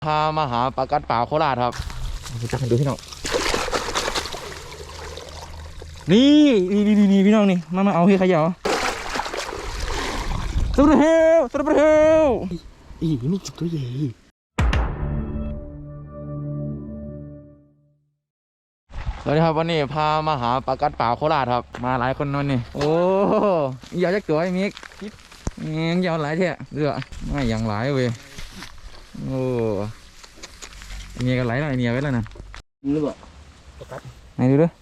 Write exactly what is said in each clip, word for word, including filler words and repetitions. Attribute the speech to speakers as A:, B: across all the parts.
A: พามาหาปลากัดป่าโคราชครับจับให้ดูพี่น้องนี่นี่นี่นี่พี่น้องนี่มามาเอาให้ขยะสุดเฮลสุดเฮลอีนี่จุดตัวใหญ่สวัสดีครับวันนี้พามาหาปลากัดป่าโคราชครับมาหลายคนนั่นนี่โอ้ยาวจะตัวไอ้มิกยังยาวหลายเท่เรือไม่ยังหลายเว้ยโอ้เมียกันไหลแล้วไอเมียไว้แล้วนะนี่บ่ไหนดูด้วย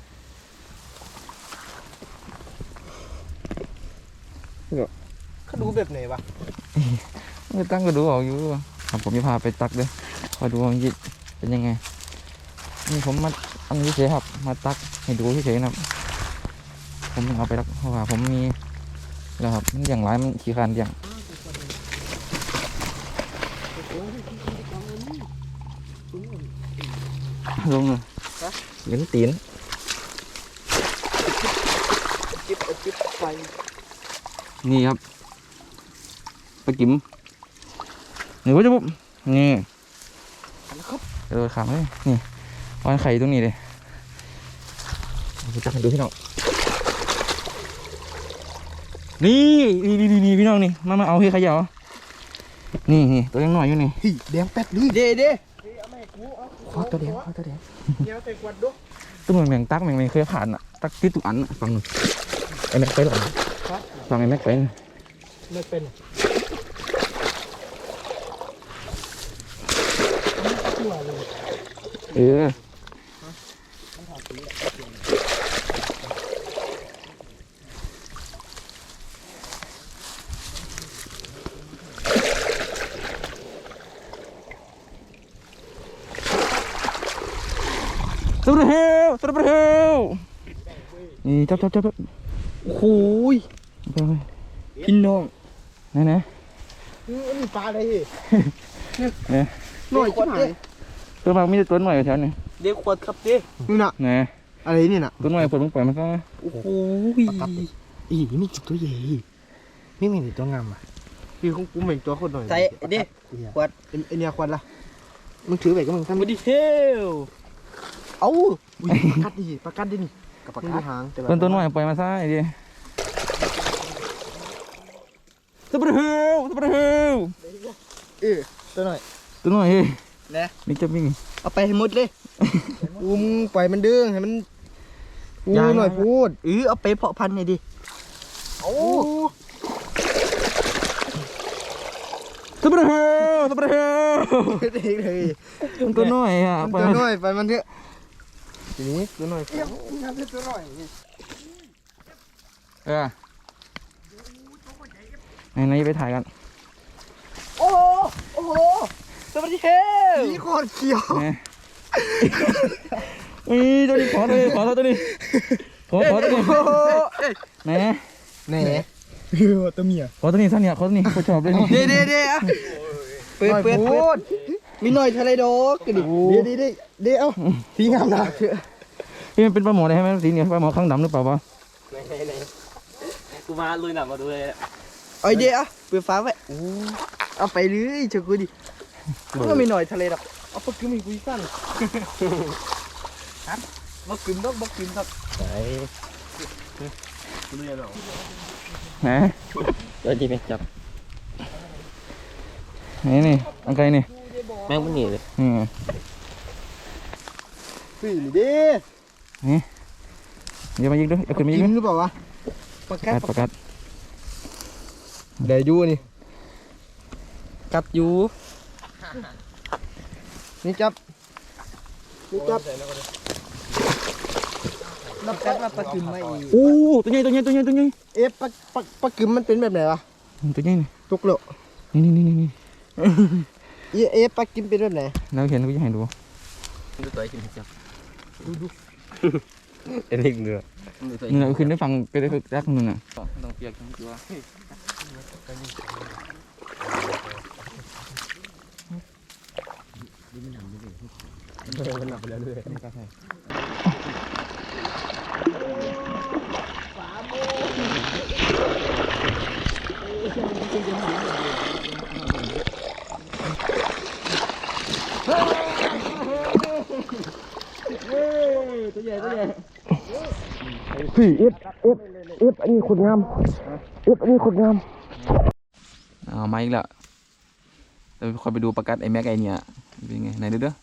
B: เขาดูแบบไหนวะ
A: ไม่ตั้งก็ดูออกอยู่ครับผมจะพาไปตักด้วยคอยดูว่ามันเป็นยังไงนี่ผมมาอันนี้เฉยครับมาตักให้ดูเฉยๆนะครับผมเอาไปตักเพราะว่าผมมีแล้วครับมันอย่างไรมันขี้คานอย่างลงเลยเลี้ยงตีน
B: จิ๊บจิ๊บไฟ
A: นี่ครับไปกิมนี่ว่าจะปุ๊บนี่เออขามเลยนี่วางไข่ตรงนี้เลยจับให้ดูพี่น้องนี่นี่นี่นี่พี่น้องนี่มามาเอาให้ขยะนี่นี่ตัวยังหน่อยอยู่นี่
B: แดงแป๊ดนี่เด้เด้
A: ขอตัวเดียวขอตัวเดียว
B: เดี๋ยวใส่ขวดดู
A: ตัวเหมือนแมงตักแมงไม่เคยผ่านอ่ะตักที่ตุกอันฟังไอ้แม็กไปหรอฟังไอ้แม็กไป
B: ไม่เป็น
A: เออสุดเฮลสุดเฮลนี่จับจับจับ
B: โอ้ยพี่น้อง
A: ไหนไหน
B: นี่มีปลาอะไร
A: เนี่ย
B: หน่อยขวดเด้
A: ตัวมันมีตัวหน่อยแถวนี้
B: เดี๋ยวขวดครับเด้นี่น่ะ
A: เนี่ย
B: อะไรนี่น่ะ
A: ตัวหน่อยปวดมึงปล่อยมันก็
B: โอ้โหอีนี่จุดตัวใหญ่นี่ไม่เห็นตัวงามอ่ะพี่คงกูเหม็นตัวคนหน่อย
C: ใส่เด้ขวด
B: ไอเนี่ยขวดละมึงถือไปก็มึงทำ
C: ไม่ดีเฮล
B: เอ้าปลากัดดิปลากัดดินี่กับปลากัดหาง
A: ตัวตัวหน่อยปล่อยมาซะไอ้ดิสุดเฮลสุดเฮล
B: เออตัวหน่อย
A: ตัวหน่อยเฮ้ย
B: นะ
A: นี่จะมิ่ง
B: เอาไปให้หมดเลยอุ้มปล่อยมันดื้อให้มันอู้หน่อยพูด
C: เออเอาไปเพาะพันธุ์หน่อยดิ
B: โอ้
A: สุดเฮลสุดเฮล
B: เด็กเลย
A: มันตัวน้อยอ่ะ
B: ตัวน้อยไปมันเถอะทีนี้ตัวน้อยงานตัวน้อย
A: เออไหนไหนไปถ่ายกัน
B: โอ้โอ้โหสวัสดีเฮลนี่โคตรเขียว
A: นี่ตัวนี้ขอตัวนี้ขอตัวนี้ขอขอตัวนี้ไหน
B: ไหนตัวเมีย
A: ขอตัวนี้สั้นเนี่ยขอตัวนี้เขาชอบเลย
B: เด้เด้เด้อะเปิดเปิดเปิดมีหน่อยทะเลดอกกระดิกเด้เด้เด้เด้เอ้าสีงามนะ
A: พี่มันเป็นปลาหมอได้ไหมสีเนี่ยปลาหมอข้างดำหรือเปล่าวะ
C: กูมาลุยหนักมาดูเลย
B: ไอเด้อะเปิดฟ้าไว้เอาไปเลยเชื่อกูดิก็มีหน่อยทะเลดอกเอาปลากิ้มอีกกูสั้นฮะปลากิ้มต้องปลากิ้มต้อง
A: ไหน
C: กูเรียนหรอ
A: ไหนตัวจีเป็นจับนี่นี่อันไกลนี่
C: แม่งมันหนีเลย
A: อืม
B: สี่ดิ
A: นี่เดี๋ยวมายิงด้วยเอาขึ้นมายิงด้วย
B: หรือเปล่าวะ
A: ประกัดประกัด
B: เดี๋ยวยูนี่
C: กัดยู
B: นี่จับนี่จับ
C: นับกัดว่าปลากิมไม่
A: โอ้ตัวใหญ่ตัวใหญ่ตัวใหญ่ตัวใหญ่
B: เอ๊ะปลาปลาปลากิมมันเป็นแบบไหนวะ
A: ตัวใหญ่นี่
B: ตุกโล
A: นี่นี่นี่นี่
B: เอ๊ะปลากิมเป็นแบบไหน
A: เราเห็นเราจะให้ดู
C: ดูตัวกิมจับ
B: ดูดู
C: เอ็นลิงเรือ
A: นี่เราขึ้นได้ฟังไปได้รักนึงอ่ะ
C: ต้องเปียกทั้งตัว
B: มันหนักไปแล้วด้วยตัวใหญ่ตัวใหญ่
D: พี่เอฟเอฟเอฟอันนี้ขดงามเอฟอันนี้ขดงาม
A: เอามาอีกแล้วเราคอยไปดูประกัดไอ้แม็กไอเนี่ยเป็นไงไหนดูเด้อ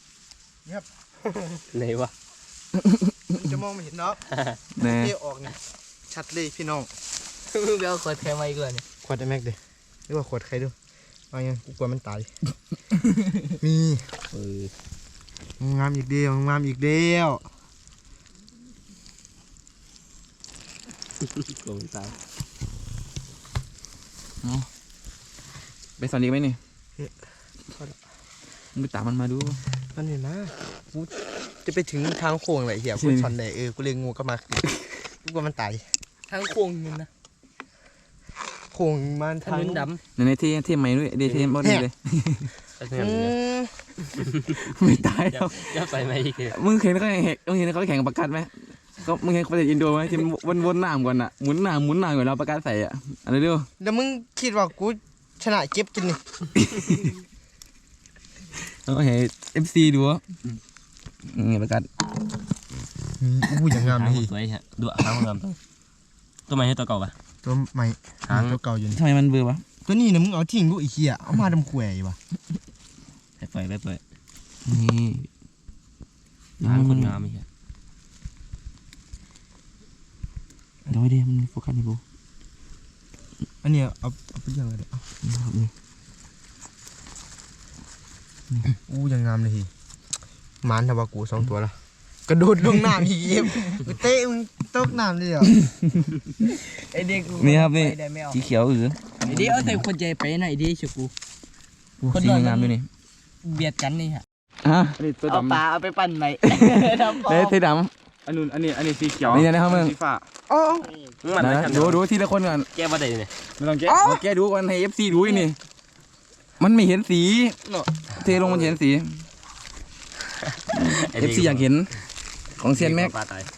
C: ไหนวะ
B: จะมองไม่เห็นเนาะ
A: แน่
B: เที่ออกเนี่ยชัดเลยพี่น้อง
C: มึงไปเอาขวดแทนมาอีกเลยเนี่ย
B: ขวดไอ้แม็กดิหรือว่าขวดใครดูว่าไงกูกลัวมันตาย มี
C: เออง
B: ามอีกเดียวงามอีกเดียว
C: โกงตาย
A: ไปสอนดีไหมนี่มึงไปตามมันมาดู
B: มันเห็นนะกูจะไปถึงทางโค้งไหนเหี้ยกูช็อตไหนเออกูเลยงูก็มากูกลัวมันตาย
C: ทางโค้งนึงนะ
B: โค้งมัน
C: ถ
B: ทาง
C: นนด
A: ในในที่ที่ใหม่ด้วยเดทที่บ่ดีเลย
C: ำ
B: อืม
A: ไม่ตายแล้ว
C: จะไปไหมอีกเลย
A: มึงเห็นเขาแข่งมึงเห็นเขาแข่งประกัดไหมเขามึงเห็นเขาเล่นอินโดไหมที่วนวนหน้าก่อนอ่ะหมุนหน้าหมุนหน้าก่อนแล้วประกัดใส่อ่ะอันนี้ดู
B: แล้วมึงคิดว่ากูชนะเก็บกินนี่
A: เราเห็นเอฟซีดูนี่ประกัด
B: อู้อย่างงาม
C: หาง
B: เลย
C: สวยฮะดูหางงามตัวตัวใหม่ให้ตัวเก่าปะ
B: ตัวใหม่หางตัวเก่าอยู่นี่
A: ทำไมมันเบื่อวะ
B: ตัวนี้นะมึงเอาทิ้งลูกอีเหี้ยเอามาทำขวยว่ะ
C: ไปปล่อยไปปล่อย
A: นี่
C: หางคนงามไม่ใช่
A: เดี๋ยวดิมันโฟกัสนี่กู
B: อันเนี้ยเอาเอาไปเลี้ยงเลยเดี๋ยวเอาอู้อย่างงามเลยทีหมันทว่ากูสองตัวละกระโดดลงน้ำอีกเอ็มกูเตะมึงตกน้ำเลยเหรอ
C: ไอเด็ก
A: นี่ครับนี่
C: ได้ไม่เอา
A: สีเขียวอือ
C: ไอเด็กเอาใส่คนใจไปไหนดีเชียวกู คน
A: สี
C: นอน
A: งามด้วยนี่
C: เบียดกันนี่ฮะ
A: ฮะ
D: อันนี้ตัว
C: เอา
D: ดำ
C: ปลาเอาไปปั่นไหมทำพอ
A: เด้เทด
D: อันนู้นอันนี้อันนี้สีเขียว
A: นี่นะครับมึง
D: สีฟ้า
B: อ๋อ
A: ำนะดูดูทีละคนก่อน
C: แก้มาได้เนี่ย
D: ไม่ต้องแกะ
A: เอาแกดูก่อนให้เอฟซีดูอีกนี่มันไม่เห็นสีเทลงมันเห็นสีเอฟซีอยากเห็นของเซียนแม็ก
C: ปลาตาย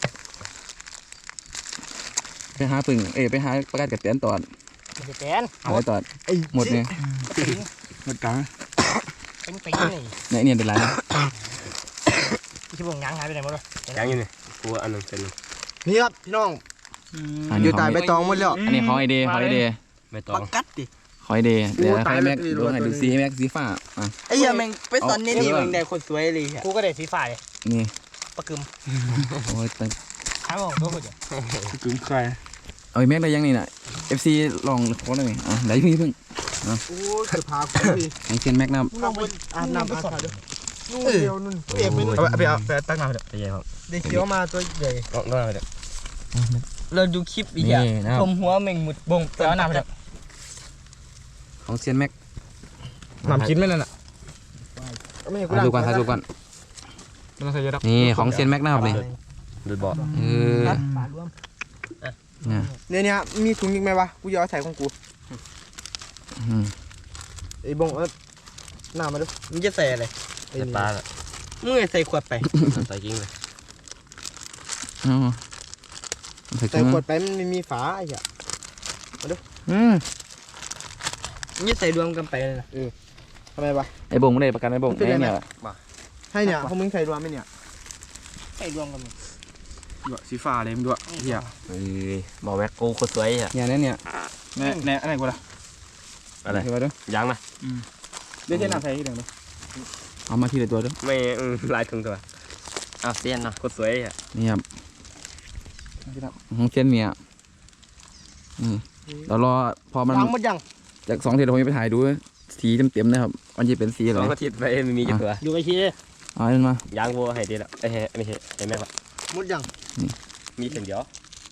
A: ไปหาปึ่งเอ้ยไปหาประกาศกับเตียนตอด
C: จะแปน
A: หาตอด
B: ไอ้
A: หมดเนี่ย
D: หมดกลาง
C: เป็นปีนี่
A: เนี่ยเนี่ยเป็นไรนะ
C: ที่ผมง้างหายไปไหนหมดเลยยังอยู่นี่กูอันนึงเป็น
B: นี่ครับพี่น้อง
A: อัน
B: อ
A: นี้
B: ยู่
A: ข
B: ตา
A: อย ง
B: ใบตองหมดแล้ว
A: อันนี้ของไอเดย์ของไอเดย์
C: ไม่ต้อ
B: ปั
C: ง
B: กกัดดิ
A: ของไอเดย์เดี๋ยว
B: โอ้
A: ให้
B: ตาย
A: แม็ก
B: แล้ว
A: ดูให้ดูสีให้แม็กสีฟ้าอ่ะ
B: ไอ้เหี้ยแม่งไปตอนนี้
A: เอา
B: นี่
A: เอา
B: มึงได้คนสวยเลยอะ
C: กูก็ได้ฟีฟ่าเลย
A: นี่
C: ปะกึม
A: โอ้ยตั้ง
C: ถามว่าตัวคนเดียว
D: กึ่งใคร
A: เอาไอ้แม็กได้ยังนี่น่ะเอฟซีลองโค้ดหน่อยอ่ะเดี๋ยวพี่เพิ่ง
B: โอ้ยจะพากูดิ
A: ของเซียนแม็กนะครับ
B: ลงไปอาบน้ำอาบน้ำด้วยนู่นเดียวนู่นเปียกไปนู่น
D: เอาไปเอาไปตั้งน้ำเดี๋ยว
C: ไปยัยครับ
B: ได้เคี้ยวมาตัวใหญ่
C: ต้องต้องอะไรเดี๋ยว
B: เราดูคลิปอีก
A: นี่
B: อ่ะ
A: นะครับ
B: ชมหัวแมงมุดบง
C: ไปเอาน้ำไปเดี๋ยว
A: ของเซียนแม็ก
D: น้ำชิ้นไหมนั่นน่ะ
B: ไม่ให้กู
A: ถ่ายดูก่อนถ่ายดูก่อน
D: ไม่ต้องใส่เยอะหรอก
A: นี่ของเซียนแม็กนะครับนี่
C: ดูดบ่อ
A: เออ
C: ปลารวม
A: เนี่ย
B: เนี่ยเนี่ยมีถุงอีกไหมวะกูจะเอาใส่ของกู
A: อืม
B: ไอ้บงเออหน้ามาดูมึงจะใส่อะไร
C: ใส่ปลาละ
B: มึงใส่ขวดไป
C: ใส่กิ้งเลย
A: เอาใส่
B: ใส่
A: ถุง
B: ขวดไปมันไม่มีฝาไอ้เหี้ย
A: อืม
B: มึงจะใส่รวมกันไปเลยนะเออทำไมวะ
A: ไอ้บงไม่ได้ประกันไอ้บง
B: เป็นไร
A: ไอ้
B: ไหม
A: เนี่ย
B: ให้เนี่ยพวกมึงใส่รวมไหมเนี่ย
C: ใส่รวมกัน
D: ดูสีฟ้าเลยมึงดูเหี้ย
C: เฮ้ยบอกแม็กกูคนสวยอ่ะ
A: เนี่ยเนี่ยเนี่ย
D: แน่แน่อะไรกูล่ะ
C: อะไร
A: เห็นไหมเด้อ
C: ยังนะ
D: เดี๋ยวเจ๊น้ำใส่ที่เดิมเลย
A: เอามาทีละตัวเด้อ
C: ไม่ลายถึงตัวอ้าวเซียนนะคนสวยอ่ะ
A: นี่ครับของเซียนเนี่ยอืมเรารอพอมัน
B: ล้างหมดยัง
A: จากสองทีเราจะไปถ่ายดูสีเต็มๆนะครับมันจะเป็นสีอะไร
C: สองอาทิตย์ไปไม่มีจุดตัวดูไอ้ชี้
A: เอาอันนั้นมา
C: ยางวัวให้ดีละไอ้เฮ้ไม่ใช่ไอ้แม็กละ
B: หมดยัง
C: มีเส้นเดียว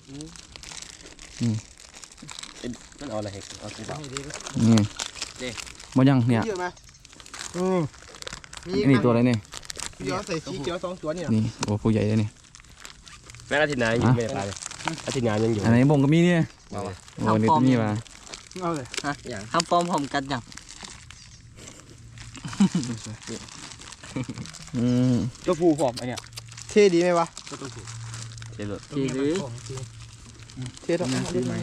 C: มันเอาอะไรให้เอาสีฟ้า
A: นี่หมดยังเนี่ย
B: เยอะไหมอืมมีอีก
A: นี่
B: นะ
A: ตัวอะไรเนี่ย
B: เดี๋ยวใส่สีเขียวสองตัวเนี่ย
A: นี่โอ้ผู้ใหญ่เลยนี่
C: แม่อาทิตย์หน้ายังไม่ได้ไปเลยอาทิตย์หน้ายังอยู่
A: อันไหนบงก็มีเนี่ย
C: มาว่ะ
A: โอ้นี่ตัวนี้มา
B: เอาเลย
C: ฮะอย่าง
B: ทำฟอร์มผมกันยัง
A: อืม
D: ตัวผู้ผอมไอเนี่ย
B: เท่ดีไหมวะ
C: เจ๋อ
B: ทีหรือเท่ต้องเอาดิ
A: ไหน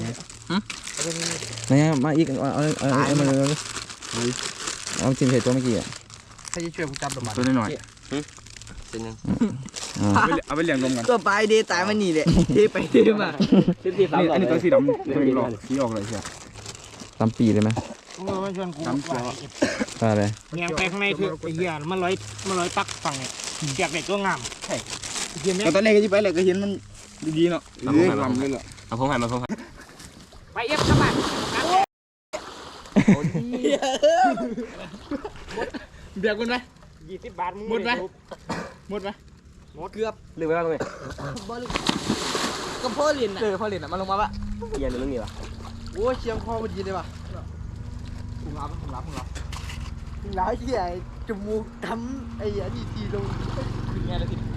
A: มาอีกเอาเอาเอาเอามาเลยเอาจิ้มใส่ตัวเมื่อกี้อ่ะ
B: ใครจะช่วยกูจับดอกไม้
D: ตัวน้อย
C: เจ๋เป็นยัง
B: เอาไปเลี้ยงนมกัน
E: ตัวปลายเดตายมันนี่แหละเทไปเทมา
C: สิบสี่สาม
B: อันนี้ตัวสีดำตัวหลอกสีออกเลยใช่
A: ตามปีเลยไหม
C: เออมาชวนกู
B: ดำเขียว
A: อะไร
C: เงียงไปข้างในคือไอ้เหี้ยมันร้อยมันร้อยปักฝั่งเนี่ยเกียกเด็กตัวงามใช่เหี้ยแม่
B: ตอนแรกก็จะไปเลยก็เห็นมันดีๆเนาะเออลำเลยเหรอ
C: เอาพงหันมาพงหันไปเอฟครับบ้านเบียร์คุณไหมยี่สิบบาทหมดไหมหมดไหมหมดเกือบลืมไปแล้วตรงนี้
E: บอลก็พ่อเรียนน่ะ
C: เออพอเล่นอ่ะมันลงมาปะเย็นเรื่องนี้ปะ
E: โอ้ยเชียงพ่อมันดีเลยว่ะ
C: คุณรับคุณรับคุณรับ
E: หลายที่ไอ้จมูกทำไอ้อันนี้ทีลง
C: คือไงแล้วที